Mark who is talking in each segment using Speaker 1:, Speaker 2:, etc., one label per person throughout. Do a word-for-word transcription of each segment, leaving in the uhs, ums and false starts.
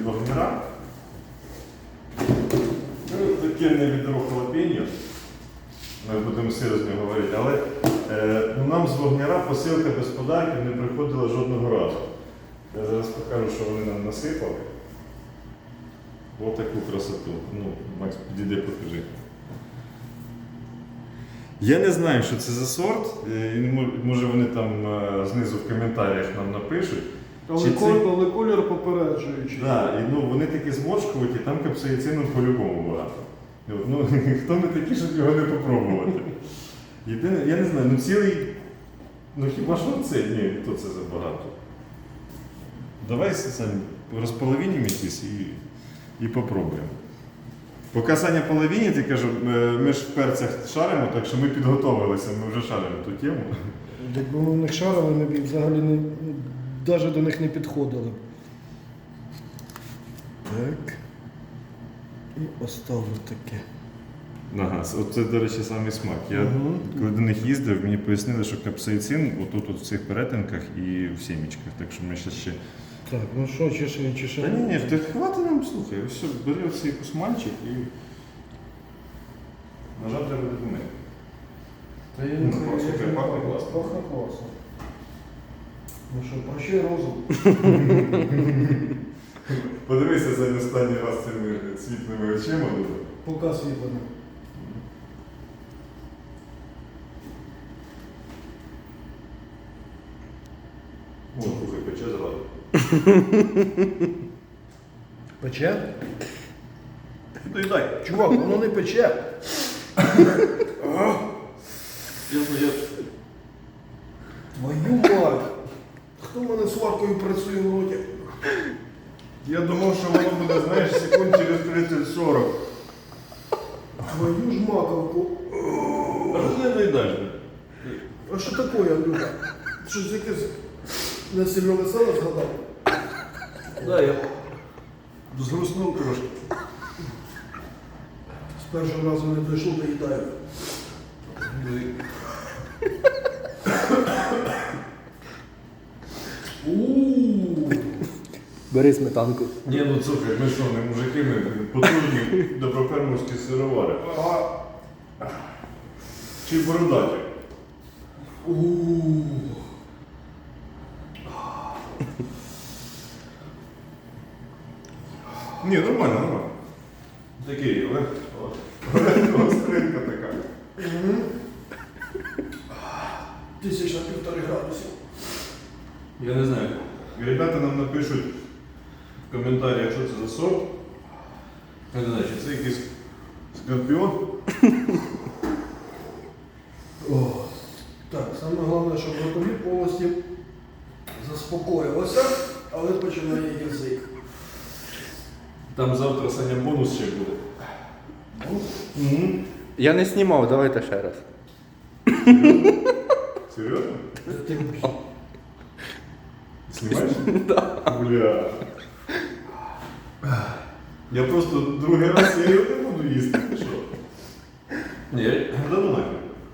Speaker 1: вагнера. Ну, таке не відро халапеньо. Ми будемо серйозно говорити, але е, ну, нам з вагнера посилка без подарків не приходила жодного разу. Я зараз покажу, що вони нам насипали. Ось таку красоту. Ну, Макс, підійди, покажи. Я не знаю, що це за сорт. Може вони там знизу в коментарях нам напишуть.
Speaker 2: Але,
Speaker 1: Чи
Speaker 2: коль,
Speaker 1: це...
Speaker 2: але колір попереджуючий.
Speaker 1: Да, і, ну, вони такі зморшкуваті, там капсаїцину по-любому багато. Ну, хто ми такі, щоб його не попробувати? Єдине, я не знаю, ну цілий, ну хіба що це? Ні, то це забагато. Давай самі розполовинимо якісь і, і попробуємо. Поки Саня половині, ти кажу, ми ж в перцях шаримо, так що ми підготовилися, ми вже шаримо ту тему.
Speaker 2: Якби ми в них шарили, ми б взагалі не, навіть до них не підходили. Так. І оставлю таке.
Speaker 1: Ага, оце, до речі, самий смак. Я
Speaker 2: Угу.
Speaker 1: коли до них їздив, мені пояснили, що капсаїцин отут от в цих перетинках і в сімічках. Так що ми ще ще...
Speaker 2: Так, ну що, чи ще, чи ще?
Speaker 1: Та ні, ні, ти хватить нам, слухай, все, бери оцей кусманчик і... Нажав треба допомогти.
Speaker 2: Та я
Speaker 1: Ну,
Speaker 2: не
Speaker 1: класно,
Speaker 2: знаю,
Speaker 1: слухай, пахне класно.
Speaker 2: Пахне класно. Ну що, прощай розум.
Speaker 1: Подивися за останній раз цими світлими очима.
Speaker 2: Поки світлено.
Speaker 1: О, слухай, пече зразу.
Speaker 2: Пече?
Speaker 1: Доїдай.
Speaker 2: Чувак, воно не пече.
Speaker 1: Ясно, я...
Speaker 2: Твою мать! Хто в мене сваркою працює в роті?
Speaker 1: Я думав, що воно буде, знаєш, секунд через тридцять-сорок.
Speaker 2: Твою ж маковку.
Speaker 1: А що ти не доїдаєш?
Speaker 2: А що таке, Андрюха? Щось якесь несильове сало згадав?
Speaker 1: Да, я згруснув трошки.
Speaker 2: З першого разу не дійшло, доїдаю. Ууу.
Speaker 3: Бери сметанку.
Speaker 1: Ні, ну слухай, ми що, не мужики, ми потужні доброфермерські сировари. Чи бородаті?
Speaker 2: Ууу.
Speaker 1: Ні, нормально, нормально. Такий, але гостринка така.
Speaker 2: Тисяч на півтори градусів.
Speaker 1: Я не знаю. Ребята нам напишуть в коментарях, що це за сорт. Я не знаю, чи це якийсь скорпіон.
Speaker 2: О. Так, саме головне, щоб ротові полості заспокоїлося, але починає язик.
Speaker 1: Там завтра Саня бонус ще буде. Угу.
Speaker 3: Я не знімав, давайте ще раз.
Speaker 1: Серйозно?
Speaker 2: Ти
Speaker 1: Знімаєш? Так. Бля. Я просто другий раз я його не буду їсти. Ти що? Ні, да ну нафіг.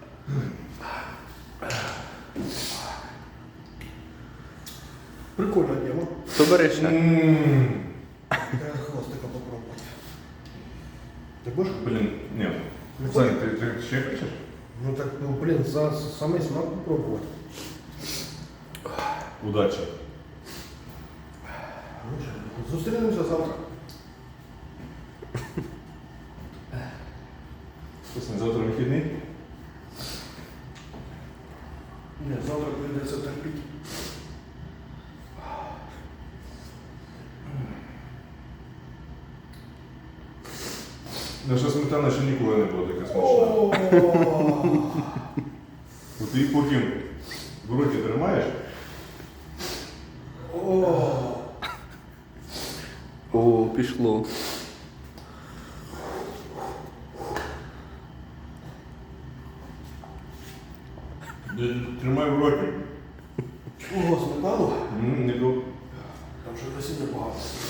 Speaker 2: прикольна тема.
Speaker 3: То бери ще.
Speaker 1: М.
Speaker 2: Треба хвостика попробувати. Ти будеш?
Speaker 1: Блін, ні. Саня, ти, ти ще хочеш?
Speaker 2: Ну так, ну блін, за самий смак попробувати.
Speaker 1: Удачі.
Speaker 2: Ну що, зустрінемося завтра.
Speaker 1: Слухай, завтра вихідний?
Speaker 2: Ні, завтра прийдеться терпіти.
Speaker 1: Наша сметана ще ніколи не була така смачна.
Speaker 2: О,
Speaker 1: От ти її потім в роті тримаєш,
Speaker 2: о.
Speaker 3: О, пішло.
Speaker 1: тримай в роті.
Speaker 2: Ого, сметану?
Speaker 1: М, не бу-
Speaker 2: Там ще насіння багато.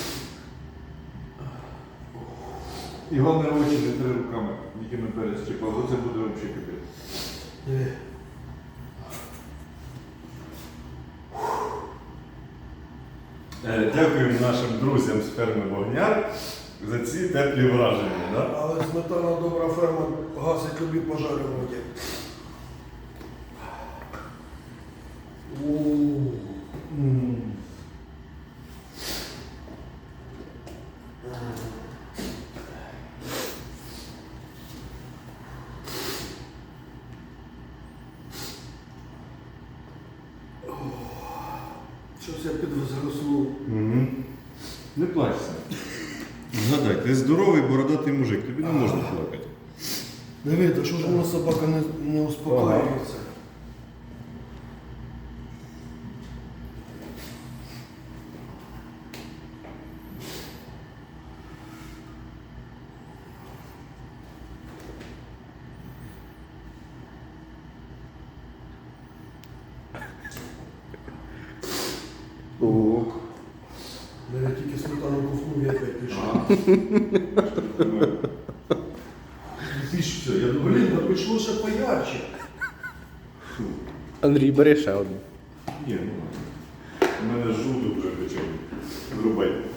Speaker 1: І головне очі не три руками, якими перець чіпав, оце буде взагалі капець.
Speaker 2: Диви.
Speaker 1: Е, Дякуємо нашим друзям з ферми Вогняр за ці теплі враження. Да?
Speaker 2: Але сметана добра ферма гасить тобі пожари в воді.
Speaker 1: М.
Speaker 2: Щось я підзаросло.
Speaker 1: Мгм. Не плачся. Згадай, ти здоровий бородатий мужик, тобі не можна плакати.
Speaker 2: Диви, та що ж вона собака не, не успокоюється?
Speaker 3: О.
Speaker 2: Я тільки сметану ковтнув, я опять пішов.
Speaker 1: Ти ж все, я думаю,
Speaker 2: Блін, та пішло ще поярче.
Speaker 3: Андрій, бери ще одну.
Speaker 1: ні, ну ладно. У мене жовток вже почав вирубати.